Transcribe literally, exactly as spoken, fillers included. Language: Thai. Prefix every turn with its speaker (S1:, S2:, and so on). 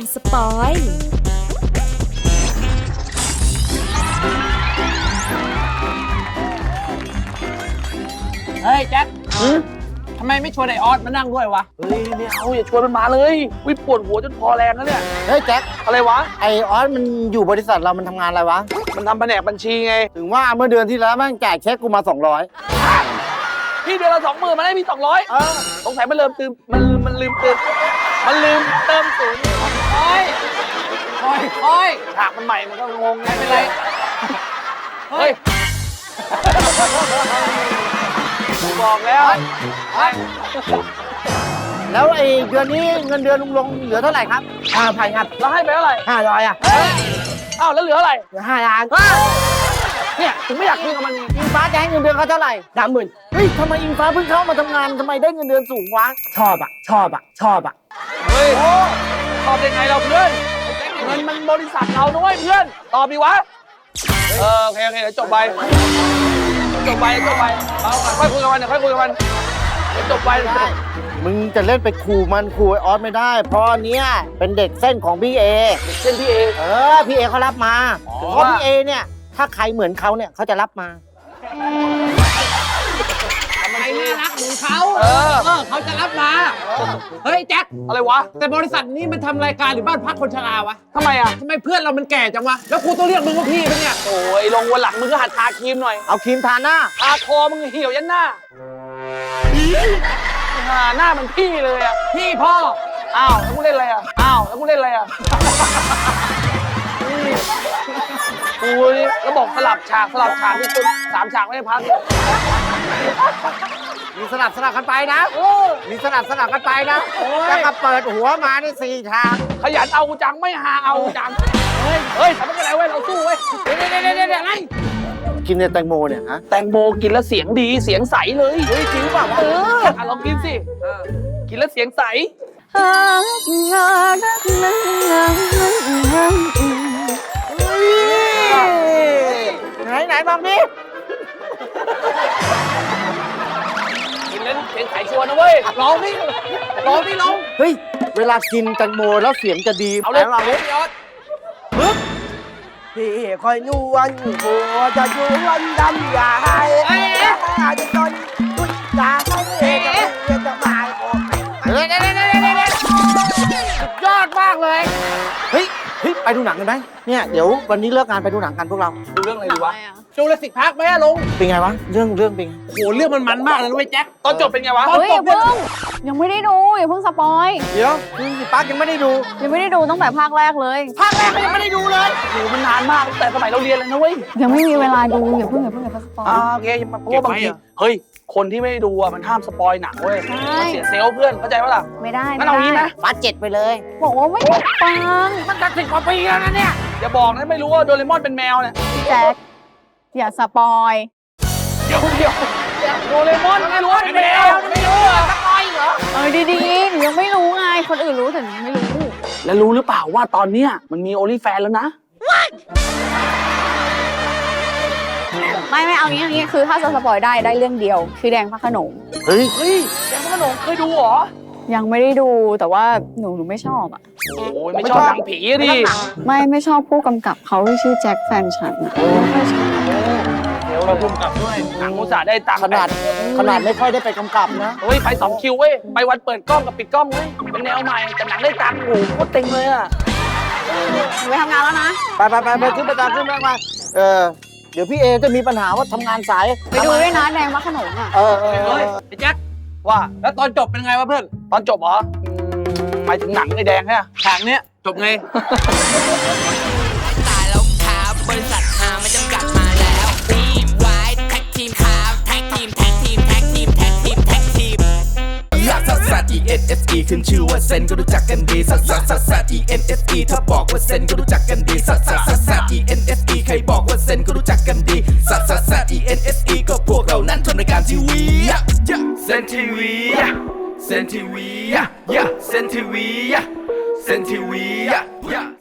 S1: สปอย
S2: เฮ้ยแจ็คทำไมไม่ชวนไอออสมานั่งด้วยวะ
S3: เฮ้ยไม่เอาอย่าชวนมันมาเลยวิปวดหัวจนพอแรงแล้วเนี่ย
S4: เฮ้ยแจ็ค
S3: อะไรวะ
S4: ไอออสมันอยู่บริษัทเรามันทำงานอะไรวะ
S3: มันทำแผนกบัญชีไง
S4: ถึงว่าเมื่อเดือนที่แล้วแม่งแจกเช็คกูมาสองร้อย
S3: พี่เดือนละสองหมื่นมาได้พี่สองร้อยสงสัยมันลืมเติมมันมันลืมเติมมันลืมเติมศูนย์
S2: คอยคอยคอย
S3: ฉากมันใหม่มันก็งงไง
S2: ไม่
S3: ไม่
S2: เป็น
S3: ไร
S2: ไร
S3: เฮ้ยบอกแล้วเฮ้ย
S4: แล้วไอเดือนนี้เงินเดือนลุงลงเหลือเท่าไหร่ครับห้าพันครับ
S3: แล้วให้ไปเท่าไหร่
S4: ห้าร้อยอ่ะ
S3: เฮ้ยอ้าวแล้วเหลืออะไร
S4: เหลือห้าล้าน
S3: เนี่ยถึงไม่อยากคุยกับมัน
S4: อิงฟ้าจะให้เงินเดือนเขาเท่าไหร่สามหมื่นเฮ้ยทำไมอิงฟ้าเพิ่งเข้ามาทำงานทำไมได้เงินเดือนสูงวะชอบอ่ะชอบอ่ะชอบอ่ะ
S3: เฮ้ยตอบยังไงเราเพื่อนเงินมันบริษัทเราด้วยเพื่อนตอบดีวะเออโอเคโอเคเดี๋ยวจบไปจบไปจบไปเอาค่อยคุยกับมันเดี๋ยวค่อยคุยกับมันเดี๋ยวจบไป
S4: มึงจะเล่นไปขู่มันขู่ไอออสไม่ได้ เพราะอันเนี้ยเป็นเด็กเส้นของพี่เอ
S3: เส้นพี่เอ
S4: เออพี่เอเขารับมา
S3: อ๋อ
S4: เพราะพี่เอเนี่ยถ้าใครเหมือนเขาเนี่ยเขาจะรับมา
S2: ใครน่ารักเหมือนเขา
S3: เออ
S2: เออเขาจะรับมา เฮ้ยแจ็ค
S3: อะไรวะ
S2: แต่บริษัทนี้มันทำรายการหรือบ้านพักคนชราวะ
S3: ทำไมอ่ะ
S2: ทำไมเพื่อนเรามันแก่จังวะ แล้วกูต้องเรียกมึงว่าพี่ปะเนี่ย
S3: โอ้ยลงวันหลังมึงก็หัดทาครีมหน่อย
S4: เอาครีมทาหน้า
S3: ทาคอมึงเหี่ยวยันหน้าหาหน้ามันพี่เลยอ่ะ
S2: พี่พ่อ
S3: อ้าวแล้วกูเล่นอะไรอ่ะอ้าวแล้วกูเล่นอะไรอ่ะกูนี่แล้วบอกสลับฉากสลับฉากที่สุดสามฉากไม่ได้พัก
S4: มีสลับสลับกันไปนะมีสลับสลับกันไปนะแล้วก็เปิดหัวมาในสี่ทาง
S3: ขยันเอากูจังไม่หาเอากูจังเฮ้ยเฮ้ยทำไม่เป็นไรเว้ยเราสู้เว้ย
S2: เดี๋ยวเดี๋ยวเดี๋ยวเดี๋ยวอะไร
S4: กินเนี่ยแตงโมเนี่ยฮะ
S3: แตงโมกินแล้วเสียงดีเสียงใสเลยเฮ้ยจริงเปล่าวะเอออ่ะลองกินสิกินแล้วเสียงใส
S4: ไหนไหนบอกดิ
S3: กินแล้วเสียงใสชัวร์นะเว้ย
S2: ลองนี่ลองนี่ลอง
S4: เฮ้ยเวลากินแตงโมแล้วเสียงจะดี
S3: เอาเลย
S4: ไหนลองดิ
S2: พี่ออส
S4: พี่คอยนวลหัวจะยวนดำยาให้จะจนตุ้ยตาให้จะมาเฮ้ยเดี๋ยวเดี๋ยวเดี๋ยวเดี๋ยวสุดยอดมากเลยเฮ้ยเฮ้ยไปดูหนังกันไหมเนี่ยเดี๋ยววันนี้เลิกงานไปดูหนังกันพวกเรา
S3: ดูเรื่องอะไรดีวะ
S2: จูเลสิกพาร์คไหมอะลง
S4: เป็นไงวะเรื่องเรื่องเป็นไง
S2: โหเรื่องมันมันมากเลยนะเว้ยแจ็ค
S3: ตอนจบเป็นไงวะ
S2: ตอน
S5: เฮ้ย
S2: จ
S5: อย่า
S2: บเนี่ย
S5: เพิ่งยังไม่ได้ดูอย่าเพิ่งสปอย
S4: เดี๋ยวคุณสิปักยังไม่ได้ดู
S5: ยังไม่ได้ดูตั้งแต่ภาคแรกเลย
S4: ภาคแรกก็ยังไม่ได้ดูเลย
S3: โหมันนานมากตั้งแต่สมัยเราเรียนเลยนะเว้ย
S5: ยังไม่มีเวลาดูอย่าเพิ่งอย่าเพิ่งอย่าเพิ่งสปอย
S3: อ่าโอเคเพราะว่าบางทีเฮ้ยคนที่ไม่ได้ดูอ่ะมันห้ามสปอยหนังเว้ย
S5: ใช่
S3: มันเสียเซลล์เพื่อนเข้าใจปะล่ะ
S5: ไม่ได้
S3: งั้
S5: ไม่
S3: นเอางี้
S5: ได้
S3: นะ
S4: ฟาดเจ็ดไปเลย
S5: บอกว่าไม่ได้ฟัง
S4: มันตัดสิบกว่าปีแล้วนะเนี่ย
S3: อย่าบอกนะไม่รู้ว่าโดเรมอนเป็นแมวเนี่ย
S5: พี่แจ็คอย่าสปอย
S3: เดี๋ยวเดี๋ยวโดเรมอนไม่รู้ว่าเป็นแมวไม่รู้อ่ะสปอยเหรอ
S5: เออดีๆหนูยังไม่รู้ไงคนอื่นรู้แต่หนูยังไม่รู้
S3: แล้วรู้หรือเปล่าว่าตอนเนี้ยมันมีโอลิแฟนแล้วนะ
S5: ไม่ไม่เอางี้เอางี้คือถ้าจะสปอยได้ได้เรื่องเดียวคือแดงพระโขนง
S4: เฮ้ย
S3: เฮ้ยแดงพระโขนงเคยดูเหรอ
S5: ยังไม่ได้ดูแต่ว่าหนูหนูไม่ชอบอ่ะ
S3: โอ้ยไม่ชอบหนังผีอะดิ
S5: ไม่ไม่ชอบผู้กำกับเขาที่ชื่อแจ็คแฟนฉันอะไม่ชอบ
S3: เดี๋ยวเราพุ่มกับด้วยหนังอุตส่าห์ได้ตังค์
S4: ขนาดขนาดไม่ค่อยได้ไปกำกับนะ
S3: เฮ้ยไปสองคิวเว้ยไปวันเปิดกล้องกับปิดกล้องเว้ยเป็นแนวใหม่แต่หนังได้ตังค์โอ้โหโคตรเต็งเลยอ่ะ
S5: หนูไปทำงานแล้วนะ
S4: ไปไปไปไปขึ้นไปตามขึ้นไปมาเออเดี๋ยวพี่เอจะมีปัญหาว่าทำงานสาย
S5: ไปดูด้วยนะแดงพระโขนงอ่ะ
S4: เออเออ
S2: เฮ้ยไอ้แจ็ค
S3: ว่า
S2: แล้วตอนจบเป็นไงวะเพื่อน
S3: ตอนจบเหรออืมหมายถึงหนังไอ้แดงใช่ไหม
S2: ฉากเนี้ยจบไง
S6: ตายแล้วครับบริษัทหาไม่จำกัดมาแล้วทีมไว้แท็กทีมครับแท็กทีมแท็กทีมแท็กทีมแท็กทีมแท็กทีม
S7: ลักซัสซัส E N S E ขึ้นชื่อว่าเซนก็รู้จักกันดีซัสซัสซัสซัส E N S E ถ้าบอกว่าเซนก็รู้จักกันดีซัสซัสซัสซัส E N S E ใครบอกว่าเซนก็รู้จักกันดีซัสซัสซัส E N S E ก็พวกเรานั้นทำรายการทีวีเซนทีวีเซนทีวีเซนทีวีเซนทีวี